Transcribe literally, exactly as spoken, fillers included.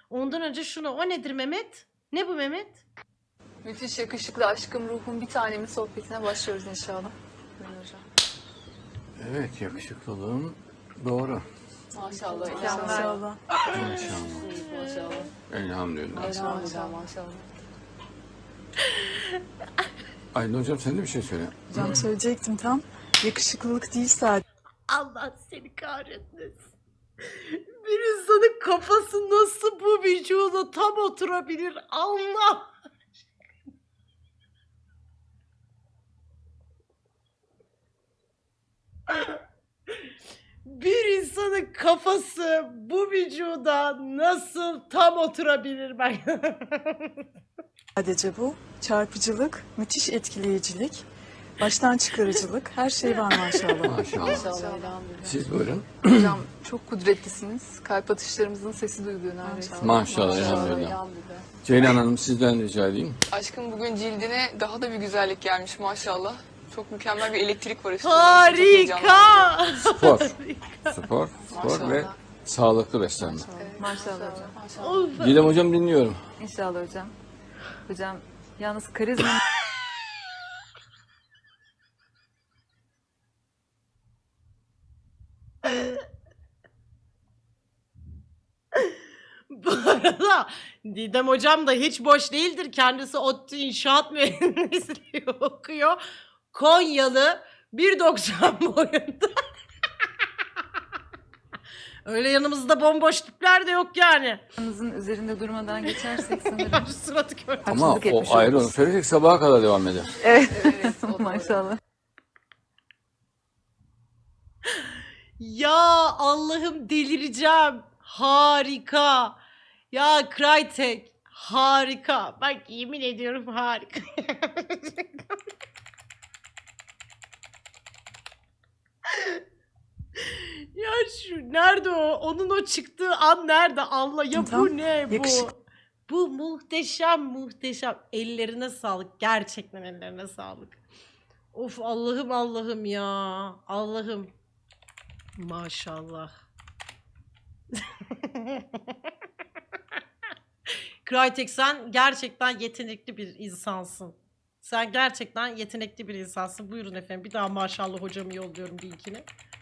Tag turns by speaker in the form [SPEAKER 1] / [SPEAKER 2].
[SPEAKER 1] Ondan önce şunu. O nedir Mehmet? Ne bu Mehmet?
[SPEAKER 2] Müthiş yakışıklı aşkım ruhum bir tanemin sohbetine başlıyoruz inşallah. Buyurun hocam.
[SPEAKER 3] Evet, yakışıklılığın doğru.
[SPEAKER 2] Maşallah.
[SPEAKER 4] Maşallah.
[SPEAKER 3] Maşallah.
[SPEAKER 2] Maşallah.
[SPEAKER 3] Elhamdülillah.
[SPEAKER 2] Maşallah. Maşallah.
[SPEAKER 3] Aydın hocam sen de bir şey söyle.
[SPEAKER 4] Hocam söyleyecektim tam. Yakışıklılık değil sadece.
[SPEAKER 1] Allah seni kahretmesin. Bir insanın kafası nasıl bu vücuda tam oturabilir? Allah! Bir insanın kafası bu vücuda nasıl tam oturabilir ben?
[SPEAKER 4] Sadece bu. Çarpıcılık, müthiş etkileyicilik, baştan çıkarıcılık, her şey var maşallah.
[SPEAKER 3] Maşallah.
[SPEAKER 2] Maşallah. Elhamdülillah.
[SPEAKER 3] Siz buyurun.
[SPEAKER 2] Hocam çok kudretlisiniz. Kalp atışlarımızın sesi duyuluyor neredeyse.
[SPEAKER 3] Maşallah, elhamdülillah. Ceylan Hanım sizden rica edeyim.
[SPEAKER 5] Aşkım bugün cildine daha da bir güzellik gelmiş maşallah. Çok mükemmel bir elektrik var üstünde.
[SPEAKER 1] Harika!
[SPEAKER 3] Spor. Spor, spor ve sağlıklı beslenme.
[SPEAKER 6] Maşallah hocam.
[SPEAKER 1] Of.
[SPEAKER 3] Didem hocam dinliyorum.
[SPEAKER 6] İnşallah hocam. Hocam yalnız karizma
[SPEAKER 1] Bu arada Didem hocam da hiç boş değildir. Kendisi ODTÜ İnşaat Mühendisliği okuyor. Konyalı bir doksan boyunda. Öyle yanımızda bomboş tipler de yok yani.
[SPEAKER 6] Yanınızın üzerinde durmadan geçersek sanırım.
[SPEAKER 1] Şu suratı gör.
[SPEAKER 3] Ama
[SPEAKER 6] Haksızlık etmiş
[SPEAKER 3] o ayrı, onu
[SPEAKER 6] oluruz.
[SPEAKER 3] söyleyecek sabaha kadar devam eder.
[SPEAKER 6] Evet.
[SPEAKER 2] Evet, o doğru.
[SPEAKER 6] Maşallah.
[SPEAKER 1] Ya Allah'ım delireceğim. Harika. Ya Crytek harika. Bak yemin ediyorum harika. Ya şu nerede o? Onun o çıktığı an nerede? Allah ya bu
[SPEAKER 4] Tam
[SPEAKER 1] ne bu?
[SPEAKER 4] yakışık-
[SPEAKER 1] Bu muhteşem muhteşem. Ellerine sağlık. Gerçekten ellerine sağlık. Of Allah'ım Allah'ım ya. Allah'ım. Maşallah. Crytek sen gerçekten yetenekli bir insansın. Sen gerçekten yetenekli bir insansın. Buyurun efendim. Bir daha maşallah hocamı yolluyorum linkini.